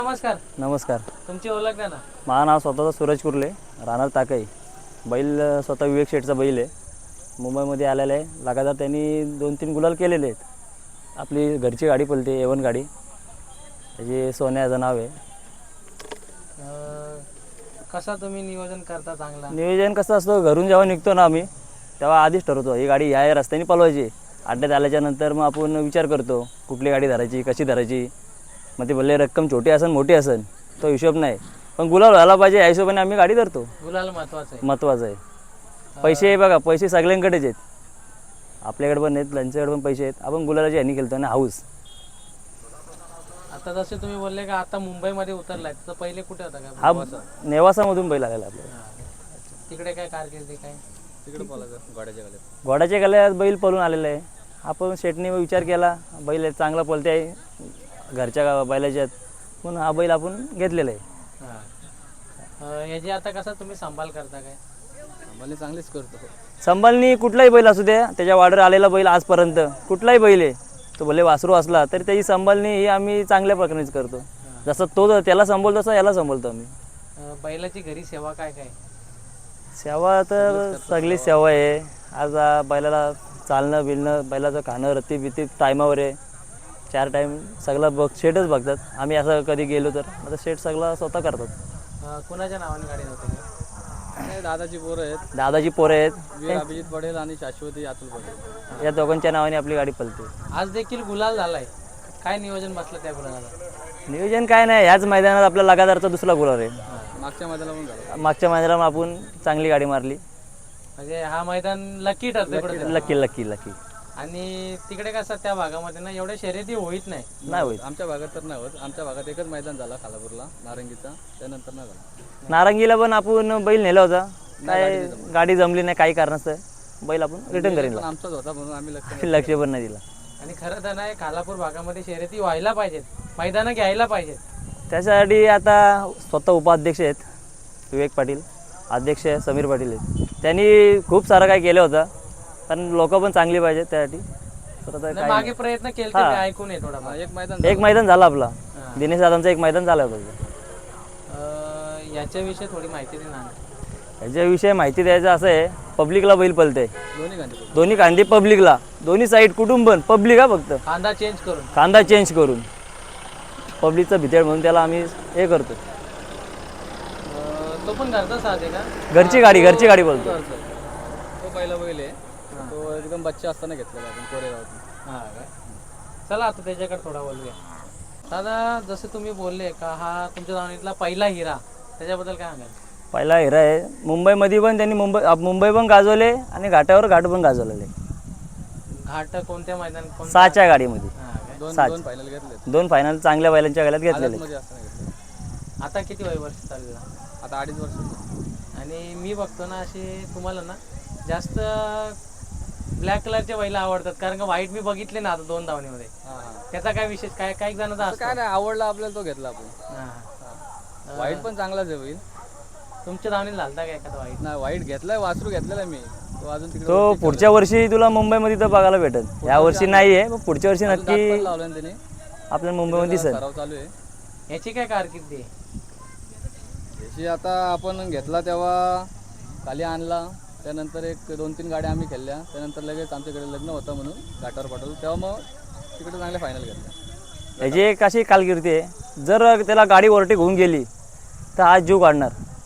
नमस्कार. नमस्कार. तुमची ओळख द्या ना. माझं नाव स्वतःचं सूरज कुर्ले, राहणार ताकई. बैल स्वतः विवेक शेठचा बैल आहे. मुंबईमध्ये आलेला आहे. लगातार त्यांनी 2-3 गुलाल केलेले आहेत. आपली घरची गाडी पळते, A1 गाडी. त्याची सोन्याचं नाव आहे. कसा तुम्ही नियोजन करता चांगला? नियोजन कसं असतं, घरून जेव्हा निघतो ना आम्ही तेव्हा आधीच ठरवतो ही गाडी या रस्त्याने पळवायची. अड्ड्यात आल्याच्यानंतर मग आपण विचार करतो कुठली गाडी धरायची, कशी धरायची. मग ते भले रक्कम छोटी असेल मोठी असेल तो हिशोब नाही, पण गुलाल व्हायला पाहिजे या हिशोबाने आम्ही गाडी धरतो. गुलाल महत्वाचं आहे. महत्त्वाचं आहे. पैसे बघा, पैसे सगळ्यांकडेच आहेत. आपल्याकडे पण आहेत, त्यांच्याकडे पण पैसे आहेत. आपण गुलालाची ह्यानी खेळतो ना, हाऊस. आता जसे तुम्ही बोलले का आता मुंबईमध्ये उतरलाय, तर पहिले कुठे होता का? हा नेवासामधून बैल आलेला आपल्याला. तिकडे काय कारकिर्दी काय? तिकडे घोड्याच्या गल्यात. घोड्याच्या गल्यात बैल पळून आलेला आहे. आपण शेटने विचार केला बैल चांगला पळते आहे घरच्या बैलाच्यात, म्हणून हा बैल आपण घेतलेला आहे. याची आता कसं तुम्ही सांभाळ करता काय? आम्हाला चांगलीच करतो. संभालनी कुठलाही बैल असू द्या, त्याच्या वाडर आलेला बैल आजपर्यंत कुठलाही बैल आहे तो भले वासरू असला तरी त्याची संभालनी ही आम्ही चांगल्या प्रकारेच करतो. जसं तो त्याला संभाळतो तसं याला संभाळतो आम्ही. बैलाची घरी सेवा काय काय? सेवा तर सगळी सेवा आहे. आज बैलाला चालणं बिलणं, बैलाचं खाणं रत्ती बिती टायमावर आहे. 4 टाईम सगळं शेटच बघतात. आम्ही असं कधी गेलो तर आता शेट सगळं स्वतः करतात. कुणाच्या नावाने गाडी नव्हती? दादाची पोरं आहेत. दादाची पोरं आहेत, वीर अभिजित पटेल आणि शाश्वती अतुल पटेल. या दोघांच्या नावाने आपली गाडी पळते. आज देखील गुलाल झालाय, काय नियोजन बसलं त्या गुलाला? नियोजन काय नाही, ह्याच मैदानात आपला लगातारचा दुसरा गुलाल आहे. मागच्या मैदानाला पण झाला. मागच्या मैदानात आपण चांगली गाडी मारली. म्हणजे हा मैदान लकी ठरते. Lucky lucky lucky. आणि तिकडे कसं त्या भागामध्ये ना एवढ्या शर्यती होईत नाही होईल. आमच्या भागात तर नाही होत. आमच्या भागात एकच मैदान झाला खालापूरला नारंगीचा, त्यानंतर नाही झाला. नारंगीला पण आपण बैल नेला होता, काय गाडी जमली नाही काही कारणास्तव बैल आपण रिटर्न करेन. आमचाच होता म्हणून आम्ही लक्ष पण नाही दिला. आणि खरं तर नाही, खालापूर भागामध्ये शर्यती व्हायला पाहिजेत, मैदानं घ्यायला पाहिजेत. त्याच्यासाठी आता स्वतः उपाध्यक्ष आहेत विवेक पाटील, अध्यक्ष समीर पाटील आहेत. त्यांनी खूप सारं काय केलं होतं, पण लोक पण चांगली पाहिजेत त्यासाठी. तर मागे प्रयत्न केले ऐकून आहे थोडा. एक मैदान झालं आपला, दिनेश दादांचं एक मैदान झालं होतं. याच्याविषयी थोडी माहिती दे ना. याच्याविषयी माहिती द्यायचं असं आहे, पब्लिकला बैल पळते दोन्ही कांदी पब्लिकला, दोन्ही साईड कुटुंब पब्लिक हा, फक्त कांदा चेंज करून पब्लिकचा भितेळ म्हणून त्याला आम्ही हे करतो. तो पण घरचा साथ आहे का? घरची गाडी बोलतो. तो पहिला बैल आहे, तो एकदम बच्चा असताना घेतलेला आपण कोरेगावातून. चला आता त्याच्याकडे थोडा बोलूया. दादा, जसं तुम्ही बोलले का हा तुमच्या दावणीतला पहिला हिरा, त्याच्याबद्दल काय सांगाल? पहिला हिरा आहे. मुंबईमध्ये पण त्यांनी मुंबई पण गाजवले आणि घाटावर घाट पण गाजवलेले. घाट कोणत्या मैदान? 6च्या गाडीमध्ये दोन फायनल घेतले. 2 फायनल चांगल्या बैलांच्या गळ्यात घेतलेले. आता किती वर्ष चालू? आता 2.5 वर्ष. आणि मी बघतो ना असे तुम्हाला ना जास्त ब्लॅक कलरचे बैल आवडतात, कारण का व्हाईट मी बघितले ना आता 2 धावणीमध्ये. त्याचा काय विशेष? काय काही जणांचा काय नाही, आवडला आपल्याला तो घेतला आपण. व्हाईट पण चांगलाच आहे बैल. तुमच्या धावणीला झालता का एखादा व्हाईट? नाही, व्हाईट घेतलाय, वासरू घेतलेला मी. तो अजून तिकडे तो पुढच्या वर्षी तुला मुंबईमध्ये तर बघायला भेटेल. या वर्षी नाही आहे, पण पुढच्या वर्षी नक्की लावलं त्याने आपल्या मुंबईमध्ये दिसेल. सराव चालू आहे. याची काय कारकिर्दी आहे? याची आता आपण घेतला तेव्हा खाली आणला, त्यानंतर एक 2-3 गाड्या आम्ही खेळल्या, त्यानंतर लगेच आमच्याकडे लग्न होतं म्हणून घाटावर पाठवलं, तेव्हा मग तिकडे चांगल्या फायनल घेतल्या. याची एक अशी कालकिर्दी आहे, जर त्याला गाडी ओव्हरटेक होऊन गेली तर आज जीव काढणार.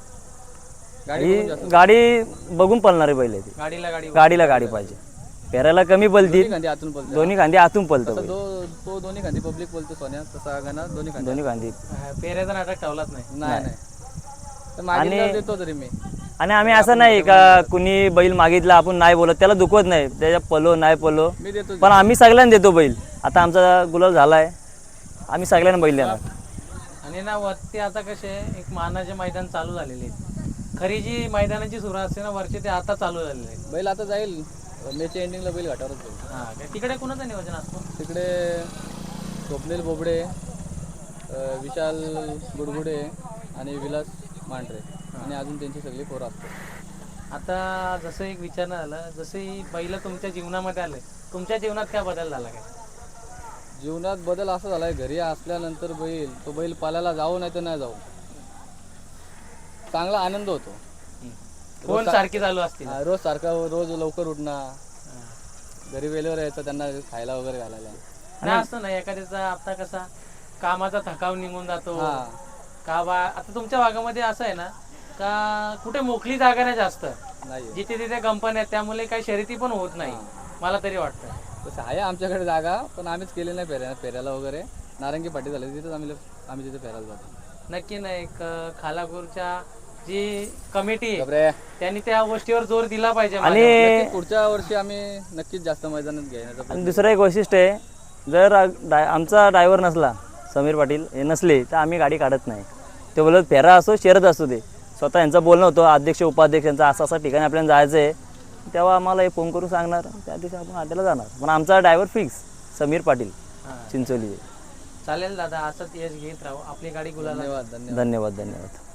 गाडी बघून पळणार आहे बैल. गाडीला गाडी पाहिजे. पेरायला कमी पळती, दोन्ही खांदी आतून पळतं. तो दोन्ही खांदी पब्लिक बोलतो सोन्या, तसा गाणं दोन्ही खांदी पेऱ्याचा नाटक ठेवलाच नाही. आणि देतो तरी मी. आणि आम्ही असं नाही का कुणी बैल मागितला आपण नाही बोलत, त्याला दुखवत नाही. त्याच्या पलो नाही पलो, पण आम्ही सगळ्यांना देतो बैल. आता आमचा गुलाल झाला आहे, आम्ही सगळ्यांना बैल देणार. आणि ना वरती आता कसे एक मानाचे मैदान चालू झालेले आहेत. खरी जी मैदानाची सुरुवात असते ना वरचे, ते आता चालू झालेले आहेत. बैल आता जाईल मेच्या एंडिंगला, बैल घाटावरच जाईल. तिकडे कोणाचं नियोजन असतो? तिकडे स्वप्नील बोबडे, विशाल गुडगुडे आणि विलास मांढरे आणि अजून त्यांची सगळी पोरं असतात. आता जसं एक विचारणं झालं, जसं बैल तुमच्या जीवनामध्ये आले, तुमच्या जीवनात काय बदल झाला काय? जीवनात बदल असा झालाय, घरी असल्यानंतर तो बैल पालायला जाऊ नाही तर नाही जाऊ, चांगला आनंद होतो. फोन सारखी चालू असतील. रोज सारखा, रोज लवकर उठणं, घरी वेळेवर यायचं, त्यांना खायला वगैरे घालायला. नाही असं नाही, एखाद्याचा आता कसा कामाचा थकाव निघून जातो का बा. आता तुमच्या भागामध्ये असं आहे ना का कुठे मोकळी जागा नाही जास्त, नाही जिथे तिथे कंपन्या आहेत, त्यामुळे काही शर्यती पण होत नाही मला तरी वाटतं. तसं आहे आमच्याकडे जागा, पण आम्हीच केली नाही फेऱ्याला वगैरे. नारंगी पाटी झाली तिथेच आम्ही तिथे फेरायला जातो. नक्की नाही, खालापूरच्या जी कमिटी आहे बापरे. त्यांनी त्या गोष्टीवर जोर दिला पाहिजे. आणि नक्की पुढच्या वर्षी आम्ही नक्कीच जास्त मैदानात घेण्याचा आणि दुसरं एक वैशिष्ट्य आहे, जर आमचा ड्रायव्हर नसला, समीर पाटील हे नसले, तर आम्ही गाडी काढत नाही. ते बोलत फेरा असो शर्यत असतो, ते स्वतः यांचं बोलणं होतं, अध्यक्ष उपाध्यक्ष यांचं असं असं ठिकाणी आपल्याला जायचं आहे, तेव्हा आम्हाला हे फोन करून सांगणार, त्या दिवशी आपण अड्ड्याला जाणार. पण आमचा ड्रायव्हर फिक्स समीर पाटील चिंचोली. चालेल दादा, असंच यश घेत राहू, आपली गाडी गुलाला. धन्यवाद. धन्यवाद.